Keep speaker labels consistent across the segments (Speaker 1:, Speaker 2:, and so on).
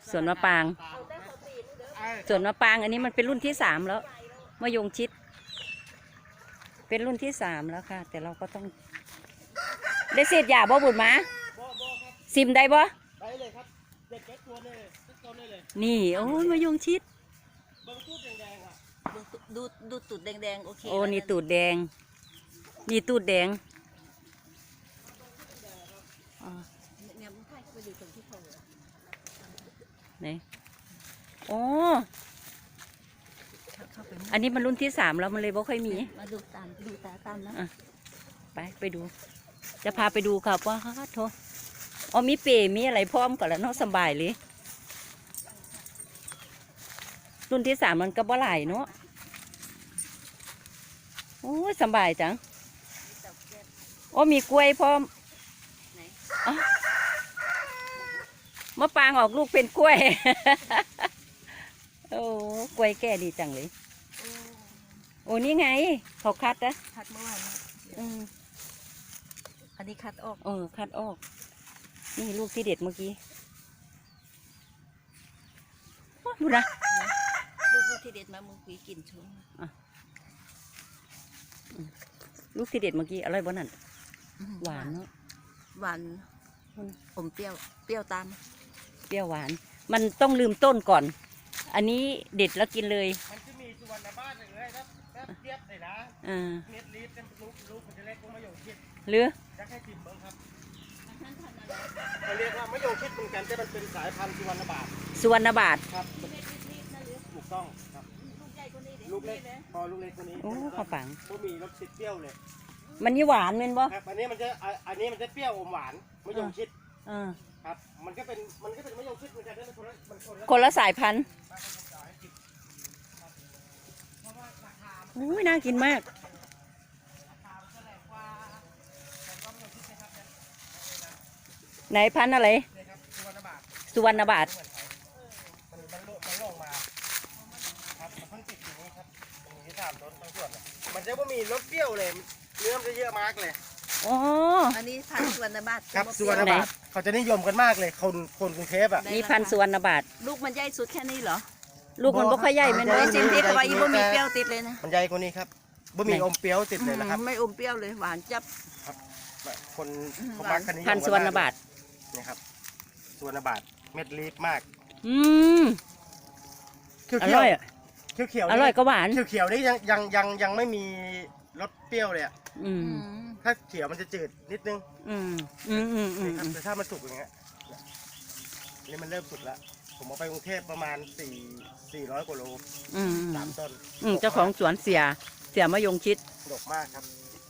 Speaker 1: สวนมะปรางสวนมะปรางอันนี้มันเป็นรุ่นที่3แล้วมะยงชิดเป็นรุ่นที่3แล้วค่ะแต่เราก็ต้องได้เศษหญ้าบ่บุญมาซิมได้บ่
Speaker 2: ได้เลยครับเด็กแก๊กตัวเลยต้นเลย
Speaker 1: นี่โอ้ยมะยงชิด
Speaker 2: บางตูดแดงๆอ่ะ
Speaker 3: ดูตูดแดงๆโอเค
Speaker 1: โอ้นี่ตูดแดงนี่ตูดแดง
Speaker 3: เนี่ยมันใช่ไปดูตรงที่เขา
Speaker 1: ไหนโอ้อันนี้มันรุ่นที่3แล้วมันเลยบ่ค่อยมี
Speaker 3: มาดูตามนะ
Speaker 1: ไปดูจะพาไปดูครับว่าโถอ๋อมีเปรมีอะไรพร้อมก่อนแล้วเนาะสบายเลยรุ่นที่3มันก็บ่หลายเนาะโอ้ยสบายจังโอ้มีกล้วยพร้อมมะปรางออกลูกเป็นกล้วยโอ้กล้วยแก่ดีจังเลยโอ้นี่ไงเขาคัดนะ
Speaker 3: คัดเมื่อวานอันนี้คัดออก
Speaker 1: คัดออกนี่ลูกที่เด็ดเมื่อกี้ดูนะ
Speaker 3: ลูกที่เด็ดมาเมื่อกี้กินชุ่ม
Speaker 1: ลูกที่เด็ดเมื่อกี้อร่อยบ่นั่นหวานเนาะ
Speaker 3: หวานอมเปรี้ยวตาม
Speaker 1: เปรี้ยวหวานมันต้องลืมต้นก่อนอันนี้เด็ดแล้วกินเลย
Speaker 2: มันจะมีสุวรรณบ้านเลยครับเทียบเลยนะเม็ดลีฟกันลูกมันจะเล็กกว่ามะยงชิด
Speaker 1: หรือ
Speaker 2: จะให้จิ้มเบิ้งครับเขาเรียกว่ามะยงชิดเหมือนกันแต่มันเป็นสายพันธุ์สุวรรณบาทครับถูกต้องครับลูกเล็กพอลูกเล็กคนนี้
Speaker 1: โอ้ข้าวปัง
Speaker 2: ก็มีรสติดเปรี้ยวเลย
Speaker 1: มันนี่หวานเม็นบ่
Speaker 2: ครับอันนี้มันจะเปรี้ยวอมหวานมะยงชิดครับมันก็เป็นมะยงชิดเหมือนกันแต่
Speaker 1: คนละสายพันธุ์อุ้ยน่ากินมากไหนพันธุ์อะไรสุวรรณบาท
Speaker 2: มันลงมาครับมันเพิ่งติดอย่างนี้ครับตรงนี้3 ต้นทั้งส่วนมันจะไม่มีรสเปรี้ยวเลยเนื้อมันจะเยอะมากเลย
Speaker 1: อ๋อ
Speaker 3: อันนี้พันธุ์สุวรรณบาท
Speaker 2: ครับสุวรรณบาทเขาจะนิยมกันมากเลยคนกรุงเทพอ่ะ
Speaker 1: นี่พันธุ์สุวรรณบาท
Speaker 3: ลูกมันใหญ่สุดแค่นี้เหรอ
Speaker 1: ลูกมันบ่ค่อยใหญ่เหมือน
Speaker 3: กันจิ้มที่ว่าอีบ่มีเปรี้ยวติดเลยนะ
Speaker 2: มันใหญ่กว่านี้ครับบ่มีอมเปรี้ยวติดเลยนะครับ
Speaker 3: ไม่อมเปรี้ยวเลยหวานจับ
Speaker 2: ครับคนมักกันนี้
Speaker 1: พันธุ์สุวรรณบาท
Speaker 2: นี่ครับสุวรรณบาทเม็ดลีฟมาก
Speaker 1: อร่อย
Speaker 2: เขียว
Speaker 1: อร่อยก็หวาน
Speaker 2: เขียวนี่ยังไม่มีรสเปรี้ยวเลยอ่ะถ้าเขียวมันจะจืดนิดนึงแต่ถ้ามันสุกอย่างเงี้ยนี่มันเริ่มสุกแล้วผมเอาไปกรุงเทพประมาณ400 กว่าโล3 ต้น
Speaker 1: เจ้าของสวนเสียมะยงชิด
Speaker 2: ดกมากครับ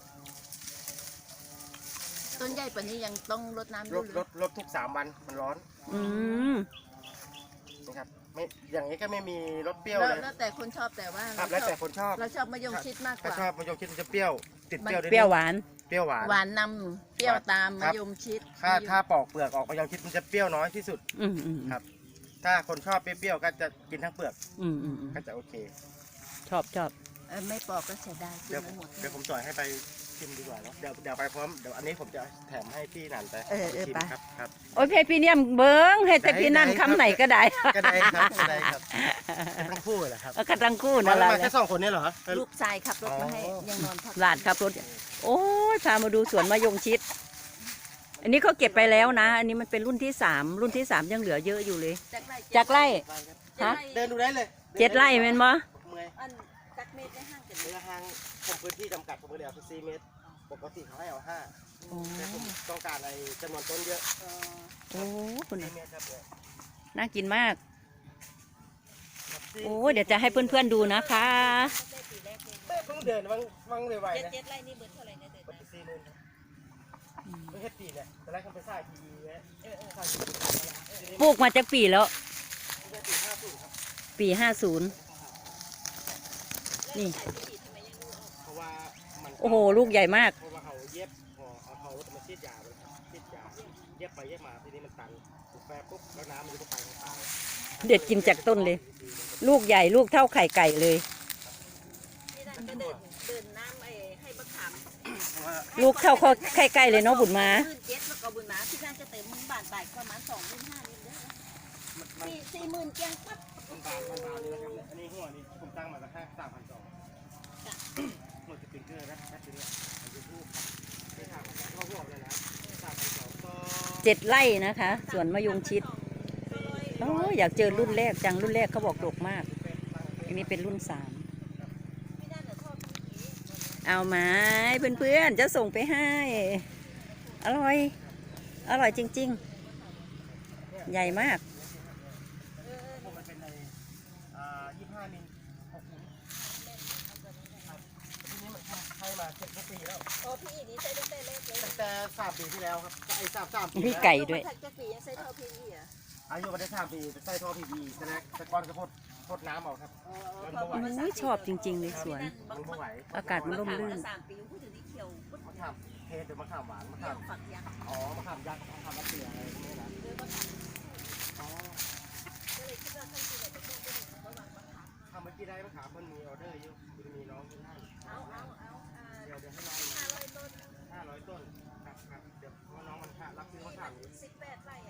Speaker 3: ต้นใหญ่ปานนี้ยังต้องรดน้ำ
Speaker 2: รดทุก3 วันมันร้อนนะครับไม่อย่างนี้ก็ไม่มีรสเปรี้ยวเลย
Speaker 3: แล้วแต่คนชอบแต่ว่า
Speaker 2: แล้วแต่คนชอบ
Speaker 3: เราชอบมะยงชิดมากกว่า
Speaker 2: ชอบมะยงชิดมันจะเปรี้ยวติดเปรี้ยว
Speaker 1: เปรี้ยวหวาน
Speaker 3: หวานนำเปรี้ยวตามมะยงชิด
Speaker 2: ถ้าปอกเปลือกออกมะยงชิดมันจะเปรี้ยวน้อยที่สุดครับถ้าคนชอบเปรี้ยวก็จะกินทั้งเปลือกก็จะโอเค
Speaker 1: ชอบ
Speaker 3: ไม่ปอกก็เสียดายกินไม่หมด
Speaker 2: เดี๋ยวผมจ่อยให้ไปชิมดีกว่าเนาะเดี๋ยวไปพร้อมเดี๋ยวอันนี้ผมจะแถมให้พี่นันไปชิมครับ
Speaker 1: โอ้ยเพพี่เนี่ยเบิ้งให้แต่พี่นันคำไหนก็ได้
Speaker 2: ก็ได้ครับทั้งคู่เหรอครับ
Speaker 1: ก็ทั้งคู่นั่นแหละ
Speaker 2: แค่2 คนนี่เหรอ
Speaker 3: ลูกชายขับรถมาให้ยังนอนพัก
Speaker 1: หลานขับรถโอ้ยพามาดูสวนมะยงชิดอันนี้เขาเก็บไปแล้วนะอันนี้มันเป็นรุ่นที่3ยังเหลือเยอะอยู่เลยจากไร่
Speaker 2: ฮะเดินดูได้เลย
Speaker 1: 7 ไร่เป็นบ่
Speaker 3: จักเมตรได้ห่างกัน
Speaker 2: ห่างผมพื้นที่จำกัดผมเลยเอา4 เมตรปกติเขาให้เอา5แต่ผมต้องการในจำนวนต้นเยอะ
Speaker 1: โอ้คุณน่ากินมากโอ้เดี๋ยวจะให้เพื่อนๆดูนะคะ
Speaker 2: เพิ่งเดินวังไวๆนะ
Speaker 3: 7 ไร่นี่เบิดเท่าไหร่นะเดินนะ
Speaker 2: ไม่ใช่ปีเนี่ยแต่แรกเขาไปสร้างที
Speaker 1: ปลูกมาจากปีแล้วปี50นี่โอ้โหลูกใหญ่มาก
Speaker 2: เพราะว่าเขาเย็บเขามาฉีดยาเย็บไปเย็บมาทีนี้มันตันถูกแปรปุ๊บแล้วน้ำมันก็ไปทางตา
Speaker 1: เด็ดกินจากต้นเลยลูกใหญ่ลูกเท่าไข่ไก่เลยลูกเท่าไข่ไก่เลยเนาะบุญมา
Speaker 3: 7แล้วก็บุญมาที่น่าจะเต็มมึงบานบ่ายประมาณ2-5 นิดเด้อ 40,000เกียงปั๊บ
Speaker 2: มันบานนี่นะครับอันนี้หัวนี่ผมตั้งมาสักแค่3,200หมดจะเป็นเกลือนะแค่ตัวนี้มันจะพูดไม่ทำก็หัวเลยนะ3,200ก็
Speaker 1: 7 ไร่นะคะสวนมะยงชิดโอ้อยากเจอรุ่นแรกจังรุ่นแรกเขาบอกดกมากอันนี้เป็นรุ่น 3เอาไหมเพื่อนๆจะส่งไปให้อร่อยอร่อยจริงๆใหญ่มาก
Speaker 2: ผมมันเป็นใน25 มิล 6 มิลครับทีนี้มันใช้มา7 ปีแล้ว
Speaker 3: โอ้พี่นี่ใช้ตั้งแต่เล็กเลย
Speaker 2: ตั้งแต่3 ปีที่แล้วครับไอ้3 ปี
Speaker 1: พี่ไก่ด้วย
Speaker 3: ถ้าจะปียังใช้เท่าพี่อ่ะ
Speaker 2: อายุมาได้3 ปีใส่ท่อ PV แต่ก่อนก็พดน้ำออกครับมันบ่ไหว
Speaker 1: อุ้ยชอบจริงๆในสวน
Speaker 2: มันบ่ไหว
Speaker 1: อากาศมันร่มรื่น
Speaker 3: 3 ปีพูดถึงที่เขียว
Speaker 2: มะขามเทศหรือมะขามหวานมะ
Speaker 3: เขี
Speaker 2: ขา
Speaker 3: ยว
Speaker 2: ม
Speaker 3: ฝักยักษ์
Speaker 2: อ๋อมะขามยักษ์มะขามมะเขืออะไรพวกนี้นะอ๋อ
Speaker 3: ก็เลยคิดว่าท่านคือแบบต้องไปดูระหว่างมะขาม
Speaker 2: ทำเมื่อกี้ได้มะขามมันมีออเดอร์อยู่จะมีน้องที่ให้
Speaker 3: เอา
Speaker 2: เดี๋ยวให้น้อง
Speaker 3: 500 ต้น
Speaker 2: 500 ต้นครับเดี๋ยวว่าน้องมันรับซื้อมะขามอยู่
Speaker 3: 18 ไร่